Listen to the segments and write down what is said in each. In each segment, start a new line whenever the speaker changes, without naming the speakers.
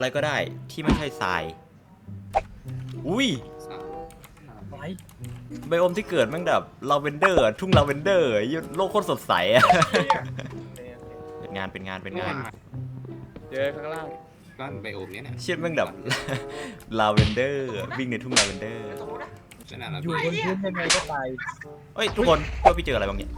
อะไรก็ได้ที่ไม่ใช่ทรายอุ้ยไบโอมที่เกิดแม่งแบบลาเวนเดอร์ทุ่งลาเวนเดอร์โลกโคตรสดใสอะเป็นงาน
เจอข้างล่าง
ก็ไบโอมเนี้ยเนี่ย
เชี่ยแม่งแบบลาเวนเดอร์วิ่งในทุ่งลาเวนเดอร์
อยู่บนพื้นยังไงก็ตาย
เฮ้ยทุกคนว่าพี่เจออะไรบ้างเนี่ย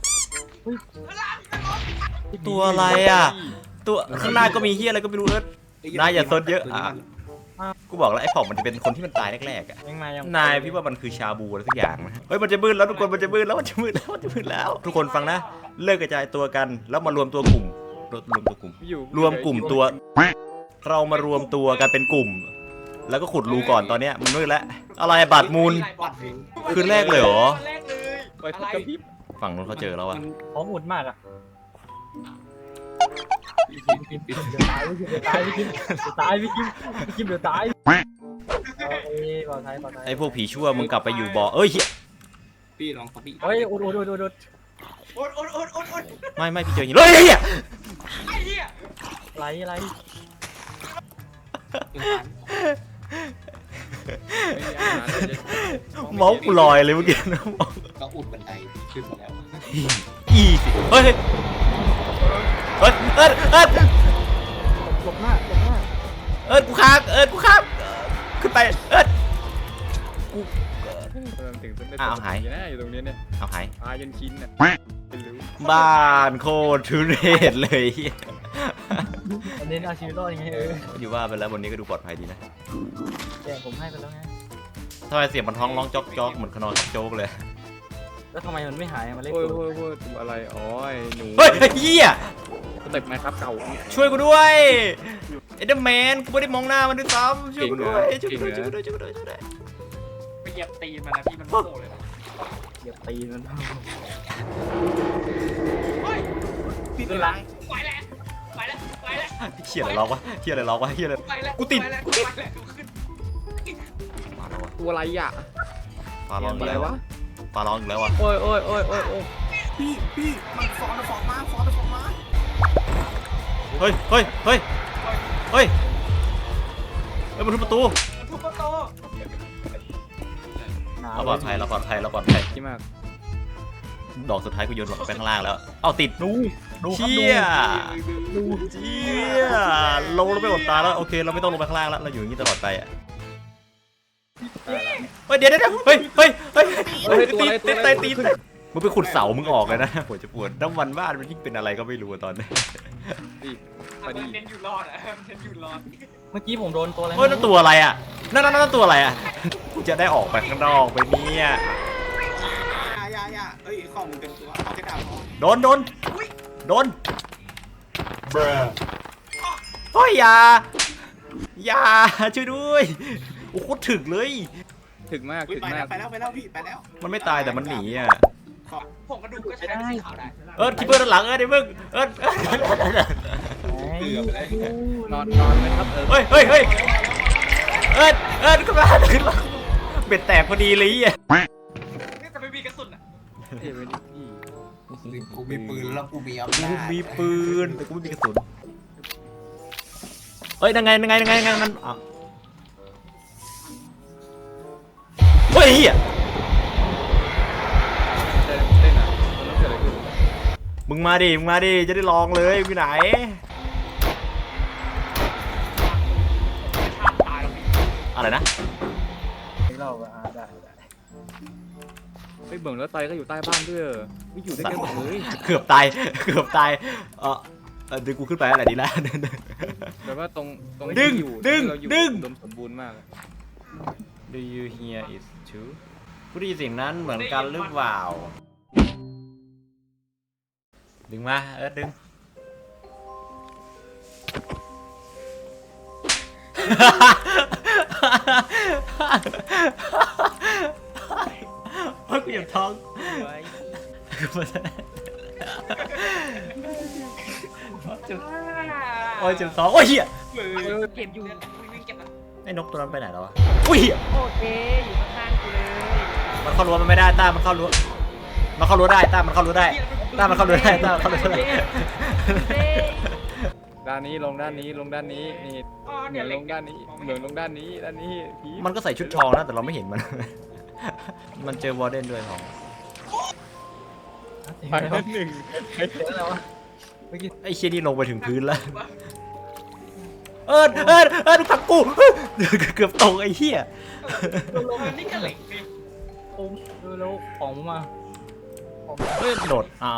ตัวอะไรอ่ะตัวข้างหน้าก็มีเฮียอะไรก็ไม่รู้นายอย่าซดเยอะอ่ะกูบอกแล้วไอ้ผ่องมันจะเป็นคนที่มันตายแรกๆอ่ะนายพี่ว่ามันคือชาบูอะไรสักอย่างนะเฮ้ยมันจะมืดแล้วทุกคนมันจะมืดแล้วทุกคนฟังนะเลิกกระจายตัวกันแล้วมารวมตัวกลุ่มรวมกลุ่มตัวเรามารวมตัวกันเป็นกลุ่มแล้วก็ขุดรูก่อนตอนเนี้ยมันมืดแล้วอะไรบัตรมูลคืนแรกเลยเหรอ
ไปกระพริบ
ฝั่งนู้นเขาเจอแล้วอ่ะ
พร้อมอุดมากอ่ะเดี๋ยวตายพี่คิมเดี๋ยวตายพี่คิมเดี๋ยวตายปลอดภัย
ไอ้พวกผีชั่วมึงกลับไปอยู่บ่อเอ้ย
พี่ลองเขาพี่
เฮ้ยอุด
ไม่พี่เจอหินเลยเฮีย
อะไร
เมาส์กูลอยเลยเมื่อกี้นะ
ก็อุดบันไดขึ้นมาแล้ว
อีสิเฮ้ยห
ลบหน้า
กูค้างขึ้นไปกู
ถึงต้นได้
หาย
อยู่ตรงนี้เนี่ย
เอาหาย
ตายจนชิ้นน่ะ
บ้านโคตรทุเรศเลย
อันนี้เอาชีวิตรอดยังไง
อยู่ว่าไปแล้ววันนี้ก็ดูปลอดภัยดีนะ
แต่ผมให้ไปแล้วไง
ทำไมเสียงมันท้องร้องจ๊อกเหมือนขนอนโจ๊กเลย
แล้วทำไมมันไม่หายมันเล็กตัวอะไรอ๋อหนู
เฮ้ยเฮีย
สเต็ปไหมครับเก่า
ช่วยกูด้วยเอเดอร์แมนกูไม่ได้มองหน้ามันด้วยซ้ำช่วยกูด้วย
ไปเหยียบตีนมันนะพี่มันโง่เลยนะ
เหยียบตีนมัน
พี่เป็นไรไปแล้ว
เฮียอะไรล็อกวะเฮียอะไรกูติด
ตัวอะไรอ่ะ
ฟ้าร้องอีกแล้ววะ
โอ้ย
พี่มันฟองมา
เฮ้ยมันทุบประตูเราปลอดภัย
ที่มาก
ดอกสุดท้ายกูโยนลงไปข้างล่างแล้วเอาติดเชี่ยลงแล้วไปอดตาแล้วโอเคเราไม่ต้องลงไปข้างล่างแล้วเราอยู่อย่างนี้ตลอดไปอ่ะเดี๋ยวเฮ้ยตีมึงไปขุดเสามึงออกเลยนะปวดจะปวดน้ำมันบ้านมันยิ่งเป็นอะไรก็ไม่รู้ตอนนี้
มันเน้นอยู่รอด
เมื่อกี้ผมโดนตัวอะไร
นั่นตัวอะไรอ่ะนั่นตัวอะไรอ่ะกูจะได้ออกไปข้างนอกไปเนี่ย
เอ้ยข้อมึงเป็นตัวเอาแค่ดาว
โดนเฮ้ยอย่าช่วยด้วยโอ้โหถึกเลย
ถึกมาก
ไปแล้วพี่ไปแล้ว
มันไม่ตายแต่มันหนีอ่ะ
ผมกระดูกก็ใช้ได้สีขาวได้
คิปเปอร์ด้านหลังเดี๋ยวมึง
นอนไหมครับ
เฮ้ยขึ้นมาเบ็ดแตกพอดีเลยอ่ะ
นี่จะไม่มีกระสุนอ่ะ
กูมีปืนแล้วกูมีอำนาจ
มีปืนแต่กูไม่มีกระสุนยังไงนั่นเฮ้ยเฮียมึงมาดิจะได้ลองเลยไปไหนอะไรนะ
เราได้เบิ่งแล้วไตก็อยู่ใต้บ้านด้วยไม่อยู่ด้วยกันหมดเลย
เกือบตายเดี๋ยวกูขึ้นไปอะไรดีแล้ว
แต่ว่าตรง
ดึง
สมบูรณ์มาก
Do you hear it too กูได้ยินเสียงนั้นเหมือนกันหรือเปล่าดึงมาดึงโอ้ยกูเหยียบท้องโอ้ยเจ็บท้องโอ้ยเหี้ย
เก็บอยู่วิ่งเก็บนะ
ไอ้นกตัวนั้นไปไหนแล้ววะอุ้ย
โอเคอยู่ข้างๆกูเลย
มันเข้ารั้วมันไม่ได้ต้ามันเข้ารั้วได้ต้ามันเข้ารั้วได้
ด้านนี้ลงด้านนี้ลงด้านนี้นี่
อ๋อ
เหมื
เนี่
อย น
เล็
ล
ก
งด้านนี้เหมือนลงด้านนี้ผี
มันก็ใส่ชุดทองนะแต่เราไม่เห็นมัน มันเจอวอร์เดนด้วยของ
ไปนั่นหนึ่งไอ้เจ้าอะไรวะ
ไอ้เชี่ยนี่ลงไปถึงพื้นแล้ว ดูผักกู เกือบตกไอ้เหี้ย
ลงนี่ก็เหล็กนี่
โอ้ดูแล้วของมา
โดดเอา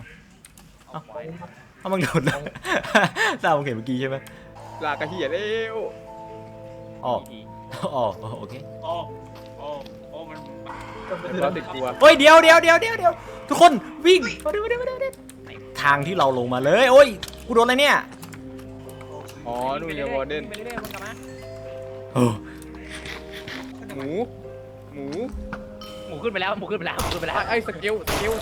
มันโดดแล้ว ตามึงเห็นเมื่อกี้ใช่ไหม
ลากระเหียเร็ว
อ๋อโอเค
โอ้มัน
เราติดกลัว
เฮ้ยเดี๋ยวทุกคนวิ่งมาดูทางที่เราลงมาเลยโอ้ยกูโดนอะไรเนี่ย
อ๋อนู่นไงวอร์เดน
ไปเรื่อยๆมันกลับมา
เออ
หมูหมู
หมูขึ้นไปแล้ว
ไอ้สเกล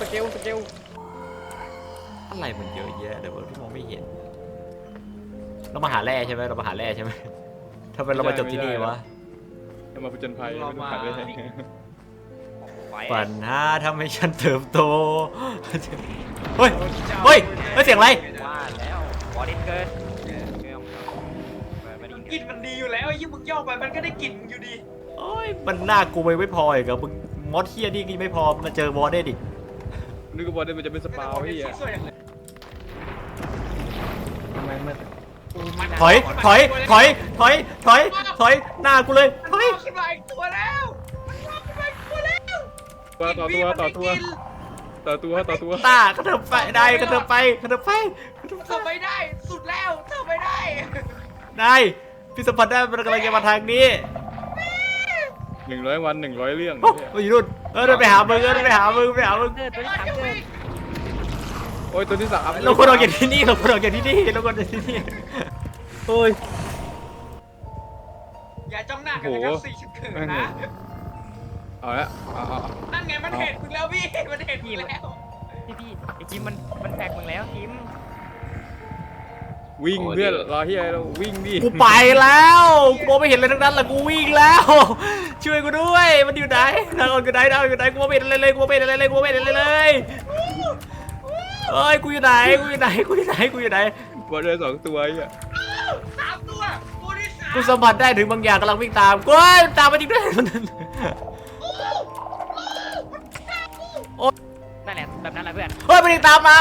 อะไรมันเยอะแยะเดี๋ยวที่มองไม่เห็นเรามาหาแร่ใช่ไหมทำไมเรามาจบที่นี่วะ
จะมาผจญภัยไม่ต้องผ่านเลย
ปัญหาทำให้ฉันเติบโตเฮ้ยเสียงอะไร
ว่าแล้วบอดี้เกินกินมันดีอยู่แล้วยิ่งมึงย่อไปมันก็ได้กลิ่นอยู่ดี
โอ้ยมันน่ากลัวไม่พออีกอะมึงมอสเทียนี่ไม่พอมาเจอวอร์เดนอีก
นึกว่าวอร์เดนมันจะเป็นสปาวพี่อะ
ทำไมมัน
ถอยหน้ากูเลยถอย
ขึ้นมาอีกตัวแล้ว
ต่อตัว
ตากระเถิบไปได้กระเถิบไป
เธอไม่ได้สุดแล้วเธอไม่ได้
ได้พี่สัมผัสได้มันกำลังจะมาทางนี้
100 วัน 100 เรื่อง
โอ้ยอยู่นู่นเดินไปหามึง
เกิดตัวที่สามเกิด
โอ้ยตัวที่3
เราควรออกจากที่นี่โอ้ย
อย่าจ้องหน้ากันนะครับสี่ชุดเขินนะ
เอาละเอา
นั่นไงมันเห็นมึงแล้วพี่มันเห็นมึงแล้วพี่ไอ้กิมมันแตกมึงแล้วกิม
วิ่งเพื่อนรอที่อะไรเราวิ่งดิ
กูไปแล้วกูมองไม่เห็นอะไรทั้งนั้นแหละกูวิ่งแล้ว ช่วยกูด้วยมันอยู่ไหนทางออกอยู่ไหนกูไม่เห็นอะไรเลยเอ้ยกูอยู่ไหน
วอร์เดน2 ตัวอ่ะ
สามตัวที่สาม
กูสัมผัสได้ถึงบางอย่างกำลังวิ่งตามกูตามมาจริงด้วย
นั่นแหละแบบนั้นแหละเพื่อน
เฮ้ยมันตามมา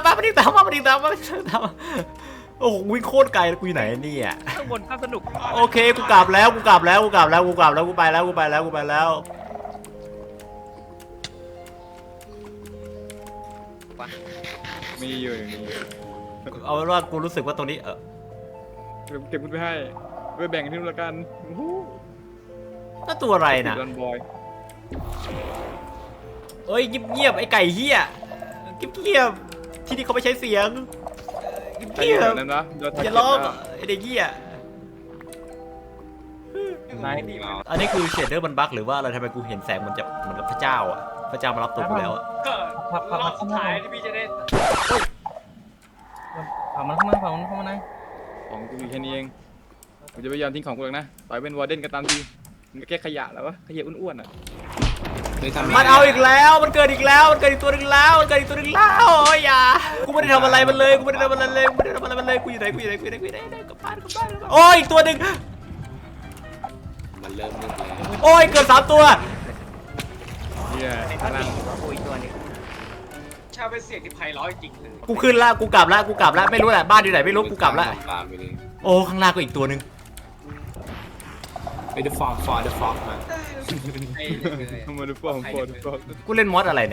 โอ้โหวิ่งโคตรไกลแล้วกูอยู่ไหนเนี่ย
ข้างบนข้างสนุก
โอเคกูกลับแล้วกูไปแล้ว
มีอยู่อย่างนี้
เอาเป็นว่ากูรู้สึกว่าตรงนี้
เก็บคุณไปให้ไปแบ่งกันที่นู่นละกัน
ก็ตัวอะไรนะ
ดอนบอย
เอ้ยเงียบไอ้ไก่เหี้ยเงียบที่นี่เขาไม่ใช้เสียง
ใครอ
เงี
ยู่
ย
แถ
บ
วนั้นนะเดี๋ยว
อย่าร้องไอ้เด็กเหี้ย
นาย
อันนี้คือเชดเดอร์มันบั๊กหรือว่าอะไรทำไมกูเห็นแสงมันจะเหมือนกับพระเจ้าอ่ะพระเจ้ามารับตัวกูแล้วอ่ะ
รอบสุดท้ายที่พี่จะได้
ของกูอยู่แค่นี้เองกูจะพยายามทิ้งของกูเองนะต่อยเป็นวอร์เดนก็ตามทีมันแค่ขยะแล้ววะขยะอ้วนๆอ่ะ
มันเอาอีกแล้วมันเกิดอีกตัวนึงแล้วโอ้ยอย่ากูไม่ได้ทำอะไรมันเลยกูอยู่ไหนกลับบ้านโอ้ยอีกตัวนึง
มันเริ่มมืดแล้ว
โอ้ยเกิด3 ตัว
เนี่ยพลัง
ชาเป็นเสียงที่ไพเราะจริงเลย
กูขึ้นแล้วกูกลับแล้วไม่รู้แหละบ้านอยู่ไหนไม่รู้กูกลับแล้ว
ตามไปเลย
โอ้ข้างล่างก็อีกตัวนึง
ไปดูฟอร์มมา
มาดูฟอร์ม
กูเล่นมอสอะไรเนี่ย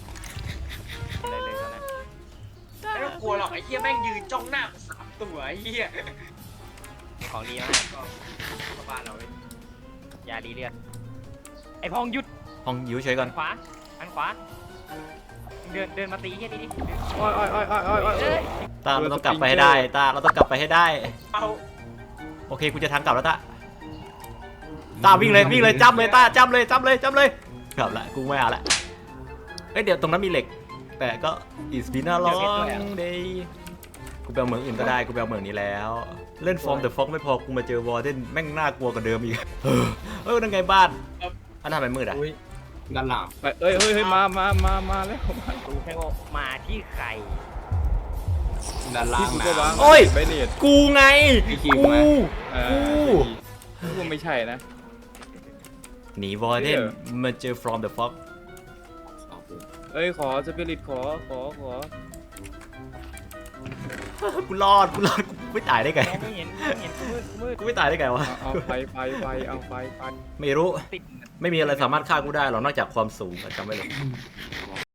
ไม่ต้องกลัวหรอกไอ้เหี้ยแม่งยืนจ้องหน้าสามตัวไอ้เหี้ยของดีนะก็บ้านเราเลยอย่าดีเลือดไอ้พองหยุด
ห้องอยู่เฉยก่อน
อันขวาเดินมาตีเหี้ยดิ
อ้อย
ตาเราต้องกลับไปให้ได้
เอา
โอเคกูจะทางกลับแล้วตาวิ่งเลยจ้ำเลยจ้ำเลยกลับละกูไม่เอาละเอ้ยเดี๋ยวตรงนั้นมีเหล็กแต่ก็ it's been a long day กูไปเอาเมืองอื่นก็ได้กูไปเอาเมืองนี้แล้วเล่นฟอร์มแต่ฟ็อกไม่พอกูมาเจอวอร์เดนแม่งน่ากลัวกว่าเดิมอีกนั่นไงบ้านอันนั้นทำไมมืดอ่ะ
ด้านหลัง
เฮ้ยมาแล้ว
ดูแค่ว่ามาที่ใคร
ด้านล่าง
ที่กูก็วาง
น้ำ
โอ้ย
ไปเนต
กูไง
ไอ้คิว
กู
ไหม
กูไม่ใช่นะ
หนีวอร์เดนมาเจอ from the fog
เอ้ยขอสปิริตขอ
กูรอดกูไม่ตายได้ไง
มองไม่เห็นกูมืด
กูไม่ตายได้ไงวะ
เอาไปเอาไป
ไม่รู้
ติด
ไม่มีอะไรสามารถฆ่ากูได้หรอกนอกจากความสูงจำไว้เลย